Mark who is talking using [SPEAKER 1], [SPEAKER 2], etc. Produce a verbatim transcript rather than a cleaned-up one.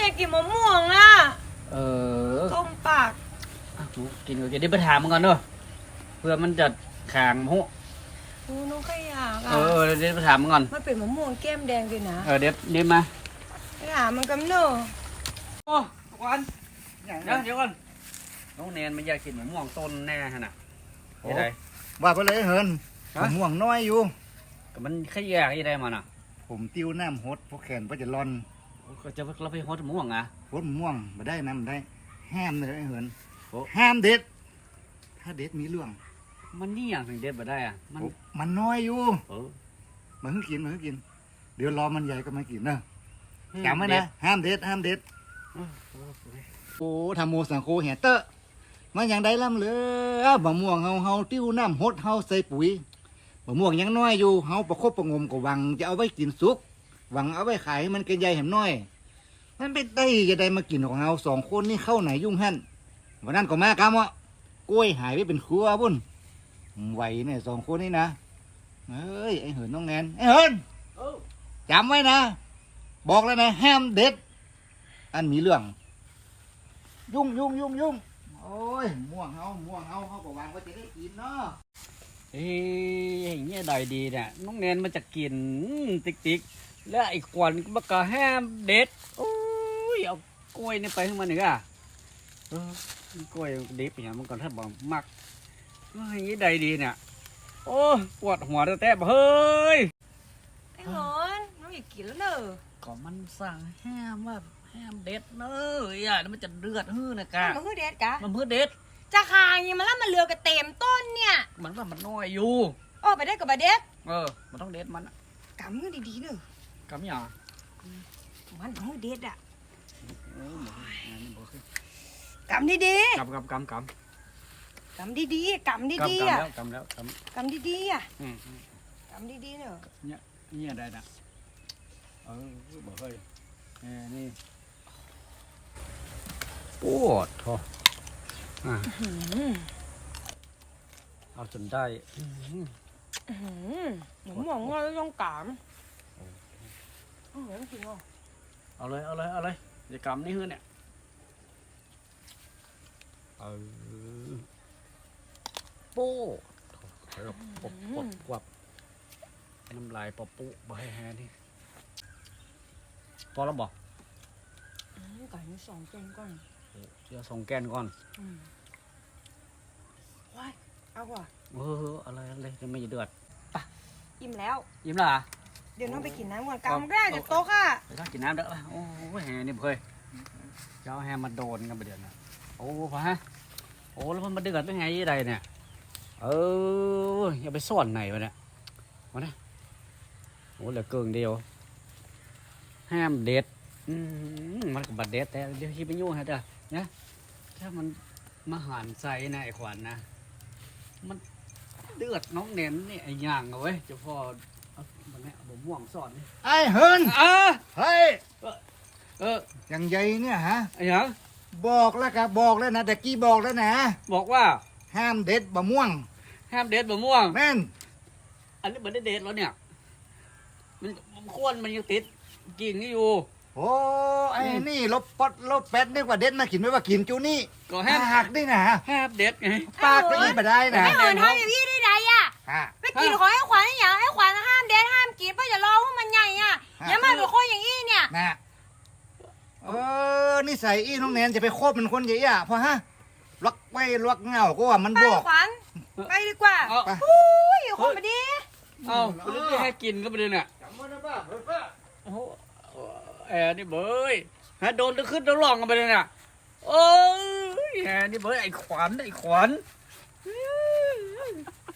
[SPEAKER 1] ากกินมะม่วงอ่ะ
[SPEAKER 2] เออ
[SPEAKER 1] ต้มปาก
[SPEAKER 2] กินก็กินได้ไปถามมันก่อนเนอะเพื่อมันจะขางหู
[SPEAKER 1] โอ้น้องขยากอ่ะ
[SPEAKER 2] เออเดี๋ยวไปถามมันก่อน
[SPEAKER 1] มันเป็นมะม่วงแก้มแดงด้วยนะ
[SPEAKER 2] เออเดี๋ยวเดี๋ยวมา
[SPEAKER 1] ไปหามันกันเนอะ
[SPEAKER 2] โอ้วันเดี๋ยวเดี๋ยวก่อนน้องแนนมันอยากกินมะม่วงต้นแน่ฮะน่ะโอ้ย
[SPEAKER 3] ว่าไปเลยเฮินมะม่วงน้อยอยู่
[SPEAKER 2] ก็มันขยากยังไงมันอ่ะ
[SPEAKER 3] ผมติ้วน้ำฮดพวกแขนพวกจะร่อน
[SPEAKER 2] ก็จะเราไปฮดมะม่วงอ่ะ
[SPEAKER 3] ฮดมะม่วงมาได้น้ำได้ห้ามเลยเฮินห้ามเด็ดถ้าเด็ดมีเรื่อง
[SPEAKER 2] มันนี่อย่างถึงเด็ดมาได้อ่ะมัน
[SPEAKER 3] มันน้อยอยู่
[SPEAKER 2] เออ
[SPEAKER 3] มันเพิ่งกินมันเพิ่งกินเดี๋ยวรอมันใหญ่ก็มากินเนอะจำไว้นะห้ามเด็ดห้ามเด็ดโอ้ทำโมสังโคแห่เตอะมันอย่างใดล่ำเลยมะม่วงเฮาเฮาติ้วน้ำฮดเฮาใส่ปุ๋ยมะม่วงยังน้อยอยู่เฮาประคบประงมกับวังจะเอาไว้กินสุกหวังเอาไว้ขายมันเกินใหญ่เห็นน้อยมันเป็นได้จะได้มากินของเฮาสองคนนี่เข้าไหนยุ่งหั่นวันนั้นก็มากามอ่ะกล้วยหายไปเป็นครัวบุ่นไหวเนี่ยสองคนนี่นะเฮ้ยไอเหินน้องแนนไอเหินจำไว้นะบอกแล้วนะห้ามเด็ดอันมีเรื่องยุ่งยุ่งยุ่งยุ่งโอ้ยม่วงเฮาม่วงเฮาเขาก็วางไว้จะได้กินเนาะ
[SPEAKER 2] เฮ้ยอย่างเงี้ยได้ดีเนี่ยน้องแนนมันจะกินติ๊กติ๊กแล้วไอ้ควันมันก็แฮมเด็ดโอ้ยเอากล้วยนี่ไปให้มันหนึ่งอ่ะเออกล้วยดิบอย่างมันก่อนถ้าบอกมักอย่างนี้ได้ดีเนี่ยโอ้ปวดหัวแต่แต่เฮ้ย
[SPEAKER 1] ไอ้หลอนน้องอยากกินแล้วเนอะ
[SPEAKER 2] ก็มันสั่งแฮมว่าแฮมเด็ดเนอะอ่ะแล้วมันจะเลือดฮื้อนะกะ
[SPEAKER 1] มันเพื่อเด็ดกะ
[SPEAKER 2] มันเพื่อเด็ด
[SPEAKER 1] จะขายยังมาแล้วมันเลือกระเต็มต้นเนี่ย
[SPEAKER 2] มันว่ามันน้อยอยู่
[SPEAKER 1] โอ้ไปได้กับบาเด็ด
[SPEAKER 2] เออมันต้องเด็ดมัน
[SPEAKER 1] กำมือดีๆเนอะ
[SPEAKER 2] กำยัง
[SPEAKER 1] มันต้องเด็ดอ่ะ
[SPEAKER 2] กำ
[SPEAKER 1] ดี
[SPEAKER 2] ๆกำกำกำก
[SPEAKER 1] ำกำดีๆกำดีๆอ่ะ
[SPEAKER 2] กำแล้วก
[SPEAKER 1] ำกำดีๆอ่ะกำดีๆเนอะ
[SPEAKER 2] เนี่ยเนี่ยได้นะเออบอกเฮ้ยนี่ปวดท้ออ่ะเอาจนได้
[SPEAKER 1] หนูมองว่าต้องกำเอาเลยจริงเหรอ
[SPEAKER 2] เอาเลยเอาเลยเอาเลยจะกำนี่ฮื้อเนี่ยเออโป้ปบปบกวับน้ำลายปบปุ๊บให้แฮนี่พอแล้วบอก
[SPEAKER 1] ไก่มีสองแกนก่อน
[SPEAKER 2] เดี๋ยวสองแกนก่อน
[SPEAKER 1] ว้ายเอาว่ะ
[SPEAKER 2] เอออะไรอะไรจะไม่เดือด
[SPEAKER 1] ป่ะอิ่มแล้ว
[SPEAKER 2] อิ่มแล้วอ่ะ
[SPEAKER 1] เดี๋ยวน้องไปกินน้ำก่อนกำได้จากโต๊ะค่ะ
[SPEAKER 2] ไปกินน้ำเด้อโอ้แฮนี่เคยเจ้าแฮมาโดนกันประเดี๋ยวนะโอ้พะฮะโอ้แล้วมันมาเดือดได้ไงยี่ใดเนี่ยเอออย่าไปซ่อนไหนวะเนี่ยมาเนี่ยโอ้เหลือเกินเดียวห้ามเด็ดมันกับบัดเด็ดแต่เดี๋ยวที่ไปยุ่งฮะเด้อเนี่ยถ้ามันมาหันใส่นะไอ้ขวัญนะมันเดือดน้องเน้นนี่ไอ้ย่างเอาไว้จะพอมันเนี่ยผมม่วงสอน
[SPEAKER 3] ไอ้เฮิน
[SPEAKER 2] เออ
[SPEAKER 3] เฮ้ย
[SPEAKER 2] เออ
[SPEAKER 3] อย่างใหญ่เนี่ยฮะ
[SPEAKER 2] ไอ้ยัง
[SPEAKER 3] บอกแล้วครับบอกแล้วนะแต่กี้บอกแล้วนะ
[SPEAKER 2] บอกว่า
[SPEAKER 3] ห้ามเด็ดบะม่วง
[SPEAKER 2] ห้ามเด็ดบะม่วง
[SPEAKER 3] แม่น
[SPEAKER 2] อันนี้มันได้เด็ดแล้วเนี่ยมันข้วนมันยังติดกิ่งนี่อยู่
[SPEAKER 3] โอ้ไอ้นี่ลบปดลบแปดนี่กว่าเด็ดมากินไม่ว่ากินจูนี่
[SPEAKER 2] ก็แฮม
[SPEAKER 3] หักได้นะ
[SPEAKER 2] แฮมเด็ดไง
[SPEAKER 3] ปากไปอีกมาได้นะ
[SPEAKER 1] ไม่เหมือนทำอย่างนี้ได้ไงอ่ะไปกินของให้ขวัญอย่างให้ขวัญห้ามเด็ดห้ามกินเพราะอย่ารอว่ามันใหญ่อ่ะอย่ามาเป็นคนอย่างนี้เนี่ย
[SPEAKER 3] นะเออนิสัยอีน้องแนนจะไปโคบเป็นคนใหญ่อ่ะเพราะฮะล็อกไว้ล็อกเงาก็ว่ามันบอก
[SPEAKER 1] ขวัญไปดีกว่าโอ้ยคนมาดี
[SPEAKER 2] เอาไปเรื่อยให้กินก็ไปเลยเนี่ยโอ้แอร์นี่เบยฮะโดนตะขึ้นตะลองกันไปเลยเนี่ยโอ้ยแอร์นี่เบยไอ้ขวัญไอ้ขวัญ